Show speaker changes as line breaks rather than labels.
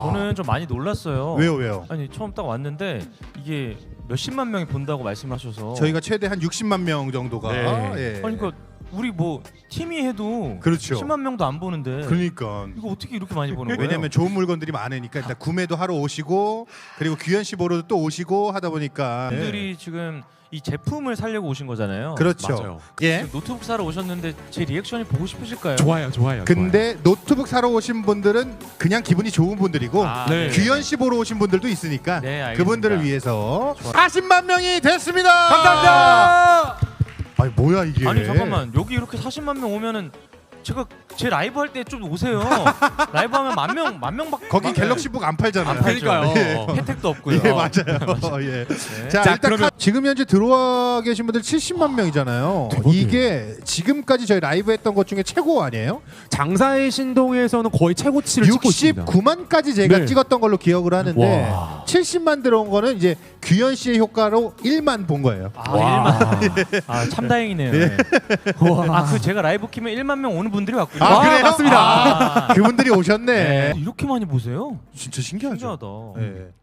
저는 좀 많이 놀랐어요.
왜요?
아니 처음 딱 왔는데 이게 몇십만 명이 본다고 말씀하셔서
저희가 최대 한 60만 명 정도가
네.
예.
아니 그러니까 우리 뭐 팀이 해도
그렇죠.
10만 명도 안 보는데
그러니까
이거 어떻게 이렇게 많이 보는 거예요?
왜냐면 좋은 물건들이 많으니까 일단 구매도 하러 오시고 그리고 규현 씨 보러도 또 오시고 하다 보니까
분들이 지금 이 제품을 살려고 오신 거잖아요.
그렇죠.
맞아요.
예.
지금 노트북 사러 오셨는데 제 리액션이 보고 싶으실까요?
좋아요.
근데 노트북 사러 오신 분들은 그냥 기분이 좋은 분들이고
아,
네.
규현 씨 보러 오신 분들도 있으니까
네, 알겠습니다.
그분들을 위해서
좋아.
40만 명이 됐습니다.
감사합니다.
아니 뭐야 이게?
아니 잠깐만 여기 이렇게 40만 명 오면은 제가 제 라이브 할 때 좀 오세요. 라이브 하면 만 명밖에
거기 갤럭시북 안 팔잖아요.
안 팔죠.
그러니까요.
혜택도 없고요.
예 맞아요. 예.
네.
자,
자,
일단
그러면-
지금 현재 들어와 계신 분들 70만 명이잖아요. 이게 지금까지 저희 라이브 했던 것 중에 최고 아니에요?
장사의 신동에서는 거의 최고치를 찍고 있습니다.
69만까지 제가
네.
찍었던 걸로 기억을 하는데
와.
70만 들어온 거는 이제 규현 씨의 효과로 1만 본 거예요.
아,
와.
1만. 아, 참 다행이네요. 네. 아, 그 제가 라이브 키면 1만 명 오는 분들이 왔군요.
아, 그래요?
맞습니다.
아.
그분들이 오셨네.
이렇게 많이 보세요?
진짜 신기하죠.
신기하다.
예.